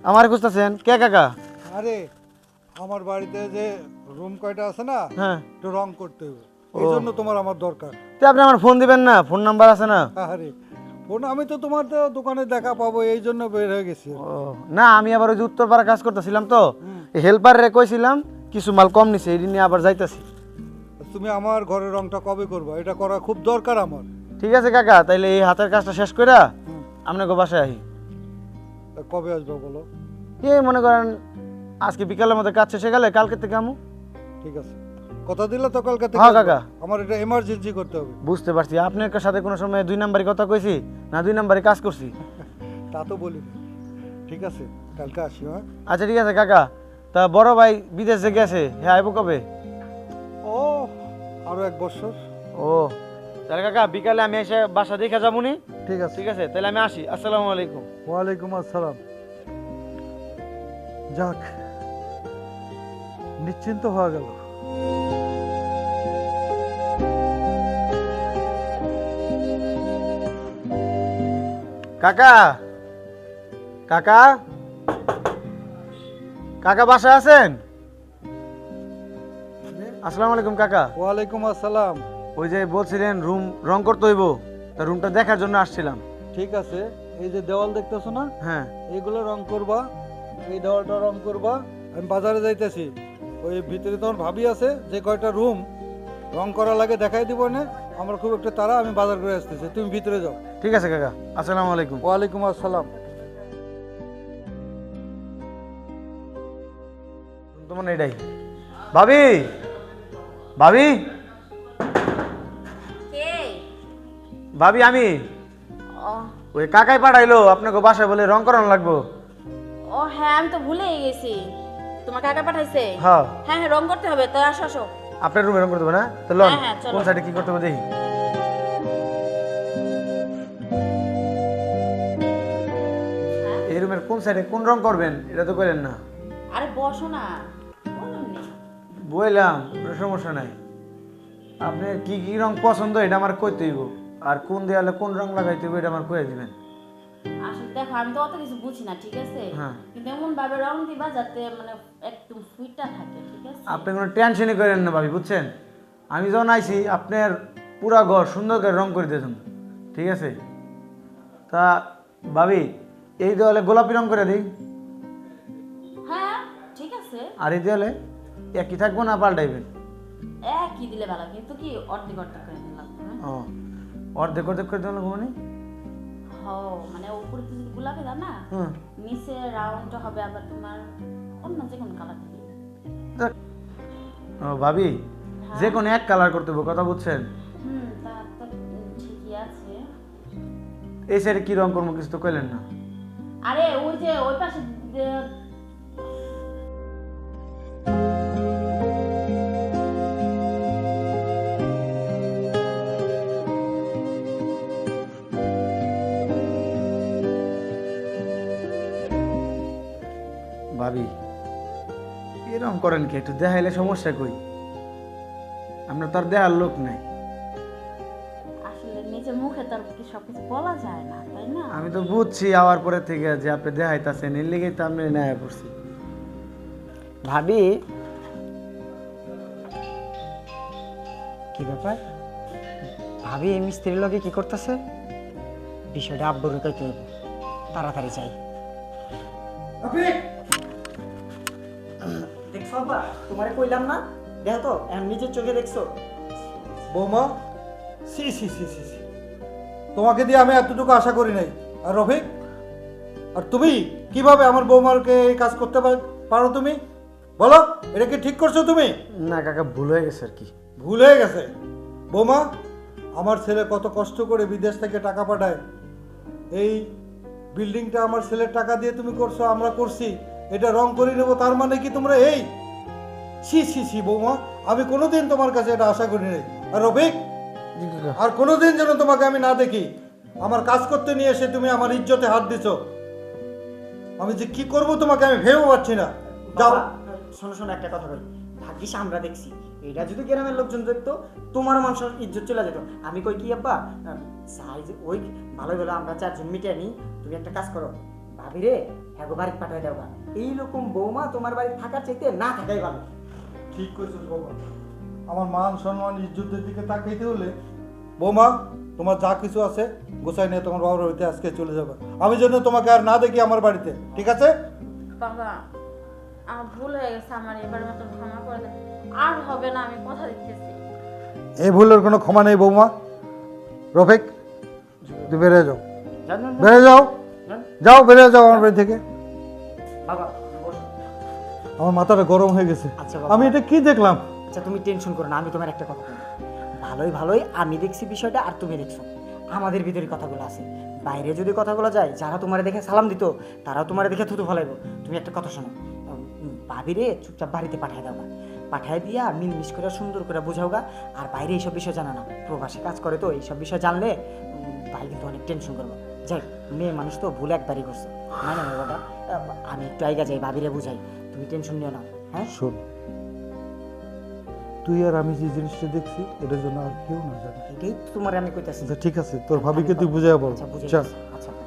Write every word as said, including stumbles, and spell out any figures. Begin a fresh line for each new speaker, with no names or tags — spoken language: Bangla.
আমার খুঁজতেছেন কে কাকা?
আরে আমার বাড়িতে যে রুম কয়টা আছে না,
হ্যাঁ,
একটু রং করতে হবে, এই জন্য তোমার আমার দরকার।
তো আপনি আমার ফোন দিবেন না? ফোন নাম্বার আছে না?
আরে ফোন আমি তো তোমার তো দোকানে দেখা পাবো এই জন্য বের হয়ে গেছি।
ও না, আমি আবার ওই যে উত্তরপাড়া কাজ করতেছিলাম তো, হেল্পার রে কইছিলাম কিছু মাল কম নিছে, এই নিয়ে আবার যাইতাছি।
তুমি আমার ঘরের রংটা কবে করবে? এটা করা খুব দরকার আমার।
ঠিক আছে কাকা, তাইলে এই হাতের কাজটা শেষ কইরা
হুম।
আপনাকে বাসায় আহি।
তা কবে আসবে বলো?
এই মনে করেন আজকে বিকালের মধ্যে কাজ শেষে গেলে কালকে থেকে আমু।
ঠিক আছে, কথা দিলে তো কালকে থেকে
হ্যাঁ
আসবে।
কাকা।
আমার এটা এমার্জেন্সি করতে হবে।
বুঝতে পারছি, আপনার সাথে কোনো সময় দুই নাম্বারই কথা কইছি না, দুই নাম্বারই কাজ করছি।
তা তো বলিনি। ঠিক আছে, কালকে আসি। হ্যাঁ,
আচ্ছা ঠিক আছে কাকা, তা বড় ভাই বিদেশে গেছে, হ্যাঁ আইব কবে?
ও আরো এক বছর।
ও তাহলে কাকা বিকালে আমি এসে বাসা দেখে যাবনি।
ঠিক আছে,
ঠিক আছে, তাহলে আমি আসি। আসসালামু আলাইকুম।
ওয়ালাইকুম আসসালাম। যাক, নিশ্চিন্ত হয়ে গেল।
কাকা কাকা কাকা বাসায় আছেন? আসসালামু আলাইকুম কাকা।
ওয়ালাইকুম আসসালাম।
ওই যে বলছিলেন রুম রং করতে হইব, তা রুমটা দেখার জন্য আসছিলাম।
ঠিক আছে, এই যে দেওয়াল দেখতেছো না,
হ্যাঁ
এইগুলো রং করবা, এই দেওয়ালটা রং করবা। আমি বাজারে যাইতেছি, ওই ভিতরে তোমার ভাবি আছে, যে কয়টা রুম রং করা লাগে দেখাই দিব না। আমার খুব একটা তাড়া, আমি বাজার করে আসতেছি, তুমি ভিতরে যাও।
ঠিক আছে কাকা, আসসালামু আলাইকুম।
ওয়ালাইকুম আসসালাম।
তোমার এটাই ভাবি, ভাবি
কে?
ভাবি আমি
ও
ওই কাকাই পাঠাইলো আপনাকে বাসায় বলে রং করানো লাগবো।
ও হ্যাঁ, আমি তো ভুলেই গেছি। তোমার কাকা পাঠাইছে?
হ্যাঁ
হ্যাঁ হ্যাঁ, রং করতে হবে তো, আসো আসো।
আপনার রুমে রং করতে হবে না? তো লন
হ্যাঁ, হ্যাঁ, চলো।
কোন সাইডে কি করতে হবে দেখি।
হ্যাঁ?
এই রুমের কোন সাইডে কোন রং করবেন এটা তো করেন না।
আরে বসো না, বলুন নি।
বললাম কোনো সমস্যা নাই, আপনার কি কি রং পছন্দ এটা আমার কইতে হইব, আর কোন দেয়ালে কোন রং লাগাইতে হইব এটা আমার কয়ে দিবেন।
আসলে দেখো, আমি তো অত কিছু বুঝি না, ঠিক আছে?
হ্যাঁ।
কিন্তু এমন ভাবে রং দিবা যাতে মানে একদম সুইটটা থাকে, ঠিক আছে?
আপনি কোনো টেনশনই করেন না ভাবি, বুঝছেন? আমি যখন আইছি আপনার পুরা ঘর সুন্দর করে রং করে দিয়েছেন, ঠিক আছে? তা ভাবি এই দেওয়ালে গোলাপি রং করে দিই,
হ্যাঁ ঠিক আছে।
আর এই দেওয়ালে একই থাকবো না পাল্টাইবেন?
এক কি দিলে ভালো, কিন্তু কি অর্ধেক অর্ধেক করে দিলাম।
ও অর্ধেক অর্ধেক করে দেওয়া লাগবো মানে?
হ মানে উপরে তো যদি গোলাপি দাও না,
হুম
নিচে রাউন্ডটা হবে আবার তোমার অন্য যে কোনো কালার দিবে।
তা ও ভাবি যে কোনো এক কালার করতে হবে, কথা বুঝছেন?
হুম, তা তো ঠিকই আছে।
এই সাইডে কি রং করবো কিছু তো কইলেন না।
আরে ওই যে ওই পাশে যে-
ভাবি এরকম করেন কি? একটু দেখাইলে সমস্যা কই? আপনার তো আর দেখার লোক নাই।
আসলে নিজের মুখে তো আর কি সবকিছু বলা যায় না, তাই না?
আমি তো বুঝছি আওয়ার পরে থেকে যে আপনি দেখাইতেছেন, এর লেগেই তো আমি নেয়া পড়ছি।
ভাবি কি ব্যাপার? ভাবি এই মিস্ত্রির লগে কি করতেছে? বিষয়টা আব্বুর কইতে হবে, তাড়াতাড়ি যাই। দেখছো আব্বা, তোমারে কইলাম না? দেখো তো এখন নিজের চোখে দেখছো।
বৌমা, সি সি সি সি সি, তোমাকে দিয়ে আমি এতটুকু আশা করি নাই। আর রফিক, আর তুমি কিভাবে আমার বৌমাকে এই কাজ করতে পার- পারো? তুমি বলো, এটা কি ঠিক করছো তুমি?
না কাকা, ভুল হয়ে গেছে আর কি।
ভুল হয়ে গেছে? বৌমা, আমার ছেলে কত কষ্ট করে বিদেশ থেকে টাকা পাঠায়, এই বিল্ডিংটা আমার ছেলের টাকা দিয়ে তুমি করছো, আমরা করছি, এটা রং করে নেবো, তার মানে কি তোমরা এই? ছি ছি ছি বৌমা, আমি কোনোদিন তোমার কাছে এটা আশা করি নাই। আর রফিক,
জি কাকা।
আর কোনোদিন যেন তোমাকে আমি না দেখি আমার কাজ করতে নিয়ে এসে তুমি আমার ইজ্জতে হাত দিছো। আমি যে কি করব তোমাকে আমি ভেবেও পাচ্ছি না। যাও।
বাবা, শোনো শোনো একটা কথা বলি, ভাগ্যিস আমরা দেখছি, এটা যদি গ্রামের লোকজন দেখতো তোমার মানুষের ইজ্জত চলে যেত। আমি কই কি আব্বা, চাই যে ওই ভালো ভালো আমরা চারজন মিটিয়ে নিই। তুমি একটা কাজ করো, ভাবি ভাবি রে হ্যাঁ গো বাড়িতে পাঠাই দেওয়া এইরকম বৌমা তোমার বাড়ি থাকার চাইতে না থাকাই ভালো।
ঠিক কইছিস বাবা, আমার মান সম্মান ইজ্জতের দিকে তাকাইতে হলে বৌমা তোমার যা কিছু আছে গোছাই নিয়ে তোমার বাবার বাড়িতে আজকে চলে যাবে। আমি যেন তোমাকে আর না দেখি আমার বাড়িতে, ঠিক আছে?
বাবা আমার ভুল হয়ে গেছে, আমার এবারের মতো ক্ষমা করে দেন, আর হবে না, আমি কথা দিতেছি।
এই ভুলের কোনো ক্ষমা নেই বৌমা। রফিক তুই বেরিয়ে যাও,
জান জান, জান,
বেরিয়ে যাও,
জান।
যাও বেরিয়ে যাও আমার বাড়ি থেকে।
বাবা বসো।
আমার মাথাটা গরম হয়ে গেছে।
আচ্ছা বাবা।
আমি এটা কি দেখলাম?
আচ্ছা তুমি টেনশন করো না, আমি তোমার একটা কথা বলি। ভালোই ভালোই আমি দেখছি বিষয়টা আর তুমি দেখছো, আমাদের ভিতরে কথাগুলো আছে। বাইরে যদি কথাগুলো যায়, যারা তোমার দেখে সালাম দিত তারাও তোমার দেখে থুতু ফলাইব। তুমি একটা কথা শোনো, ভাবিরে চুপচাপ বাড়িতে পাঠিয়ে দাও না, পাঠিয়ে দিয়া মিলমিশ করে সুন্দর করে বোঝাও গা। আর বাইরে এইসব বিষয় জানা না, প্রবাসে কাজ করে তো এইসব বিষয় জানলে উম, ভাই কিন্তু অনেক টেনশন করবো। যাই মেয়ে মানুষ তো ভুল একবারই করছে, না না বাবা, আমি একটু আইগা যাই ভাবিরে বুঝাই, তুমি টেনশন নিও না। হ্যাঁ
শোন, তুই আর আমি যে জিনিসটা দেখছি এটার জন্য আর কেউ না জানে।
এটাই তো তোমার আমি কইতাছি।
আচ্ছা ঠিক আছে, তোর ভাবিকে তুই বুঝাই বল।
আচ্ছা বুঝে
চল।
গেছি। আচ্ছা